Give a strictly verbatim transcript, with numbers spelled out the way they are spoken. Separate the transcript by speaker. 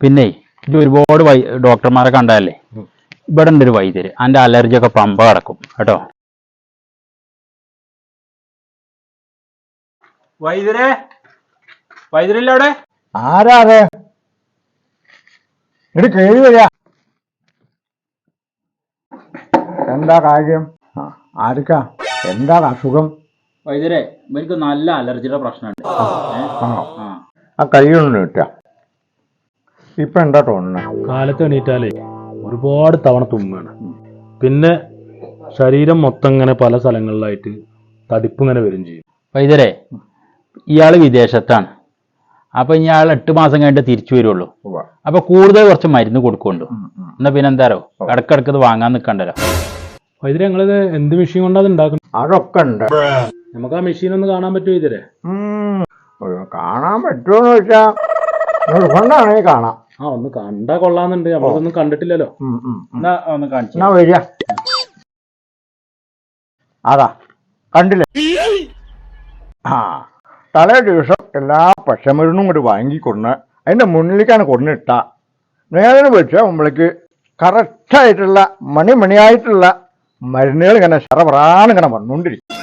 Speaker 1: പിന്നെ ഇത് ഒരുപാട് വൈ ഡോക്ടർമാരെ കണ്ടതല്ലേ, ഇവിടെ ഉണ്ട് ഒരു വൈദ്യര്, അതിന്റെ അലർജി ഒക്കെ പമ്പ കിടക്കും കേട്ടോ. വൈദ്യരെ, വൈദ്യരില്ല അവിടെ?
Speaker 2: ആരാ അതെ? ഇത് കേറി വരിക. എന്താ കാര്യം? ആർക്കാ? എന്താ അസുഖം?
Speaker 1: വൈദ്യരെ, എനിക്ക് നല്ല അലർജിയുടെ പ്രശ്നമുണ്ട്.
Speaker 2: ആ കൈയൊന്നും കിട്ടുക. ഇപ്പൊ എന്താ തോന്നുന്നത്?
Speaker 3: കാലത്ത് എണീറ്റാലേ ഒരുപാട് തവണ തുമ്മാണ്. പിന്നെ ശരീരം മൊത്തം ഇങ്ങനെ പല സ്ഥലങ്ങളിലായിട്ട് തടിപ്പ് ഇങ്ങനെ വരും ചെയ്യും.
Speaker 1: വൈദ്യരെ, ഇയാള് വിദേശത്താണ്. അപ്പൊ ഇയാൾ എട്ട് മാസം കഴിഞ്ഞിട്ട് തിരിച്ചു വരുള്ളൂ. അപ്പൊ കൂടുതൽ കുറച്ച് മരുന്ന് കൊടുക്കുന്നുണ്ട്. എന്നാ പിന്നെ എന്താരോ ഇടക്കിടക്ക് ഇത് വാങ്ങാൻ നിൽക്കണ്ടല്ലോ.
Speaker 3: വൈദ്യരെ, ഞങ്ങളിത് എന്ത് മെഷീൻ കൊണ്ടാ അത് ഉണ്ടാക്കുന്നത്?
Speaker 2: അതൊക്കെ ഉണ്ട്.
Speaker 3: നമുക്ക് ആ മെഷീൻ ഒന്ന് കാണാൻ പറ്റുമോ വൈദ്യരെ?
Speaker 2: കാണാൻ പറ്റുമോന്ന് ചോദിച്ചാ നിർബന്ധമാണെങ്കിൽ കാണാം.
Speaker 3: ആ, ഒന്ന് കണ്ടാ കൊള്ളാന്നുണ്ട്. നമ്മളൊന്നും കണ്ടിട്ടില്ലല്ലോ.
Speaker 1: എന്നാ ഒന്ന് കാണിച്ചു.
Speaker 2: എന്നാ വരിക. അതാ കണ്ടില്ലേ? ആ, തലേ ദിവസം എല്ലാ പച്ചമരുന്നും കൂടി വാങ്ങിക്കൊണ്ട് അതിന്റെ മുന്നിലേക്കാണ് കൊണ്ടിട്ട നേരെ വെച്ച് നമ്മൾക്ക് കറക്റ്റായിട്ടുള്ള മണിമണിയായിട്ടുള്ള മരുന്നുകൾ ഇങ്ങനെ ശറപറാന്നിങ്ങനെ വന്നുകൊണ്ടിരിക്കും.